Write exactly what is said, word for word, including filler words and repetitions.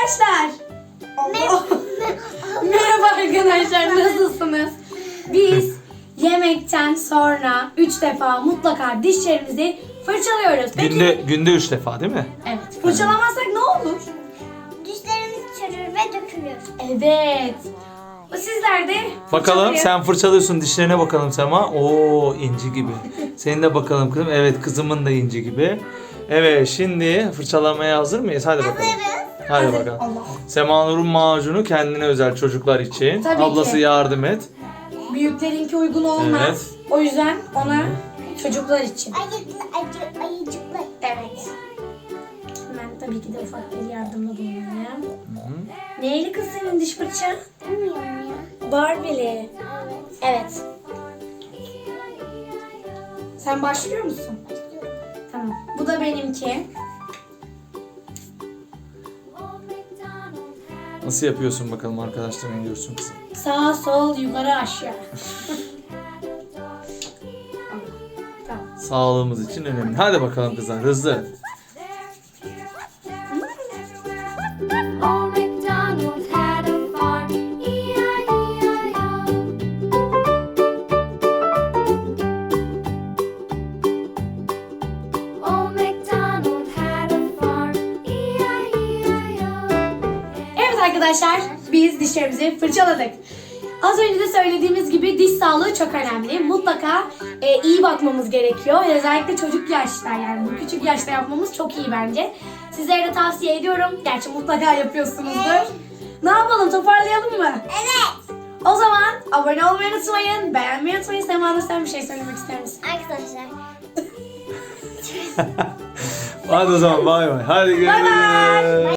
arkadaşlar. Allah. Merhaba arkadaşlar, nasılsınız? Biz yemekten sonra üç defa mutlaka dişlerimizi fırçalıyoruz. Peki, Günde günde üç defa değil mi? evet. Fırçalamazsak ne olur? Dişlerimiz çürür ve dökülür. Evet. Sizler de Bakalım fırçalayın. sen fırçalıyorsun, dişlerine bakalım Sema. Oo, inci gibi. Senin de bakalım kızım. Evet, kızımın da inci gibi. Evet, şimdi fırçalamaya hazır mıyız? Hadi bakalım. Hazırız. Hadi Hazır. bakalım. Allah. Sema Nur'un macunu kendine özel, çocuklar için. Tabii Ablası ki. yardım et. Büyüklerinki uygun olmaz. Evet. O yüzden ona çocuklar için. Ayıcıklı, acı, ayıcıklı. Evet. Ben tabii ki de ufak bir yardımda bulunayım. Neyli kız senin diş fırçan? Bilmiyorum ya. Barbie'li. Evet. Evet. Sen başlıyor musun? Tamam. Bu da benimki. Nasıl yapıyorsun bakalım, arkadaşlar ne diyorsun kızım? Sağ, sol, yukarı, aşağı. Tamam. Sağlığımız için önemli. Hadi bakalım kızlar, hızlı. Old MacDonald had a farm, E I E I O. Old MacDonald had a farm, E I E I O. Evet arkadaşlar, biz dişlerimizi fırçaladık. Az önce de söylediğimiz gibi diş sağlığı çok önemli. Mutlaka e, iyi bakmamız gerekiyor. Özellikle çocuk yaşta, yani bu küçük yaşta yapmamız çok iyi bence. Sizlere de tavsiye ediyorum. Gerçi mutlaka yapıyorsunuzdur. Ne yapalım, toparlayalım mı? Evet. O zaman abone olmayı unutmayın, beğenmeyi unutmayın. Sema Nur, sen bir şey söylemek ister misin? Arkadaşlar. Hadi o zaman bay bay. Hadi görüşürüz. Bay bay.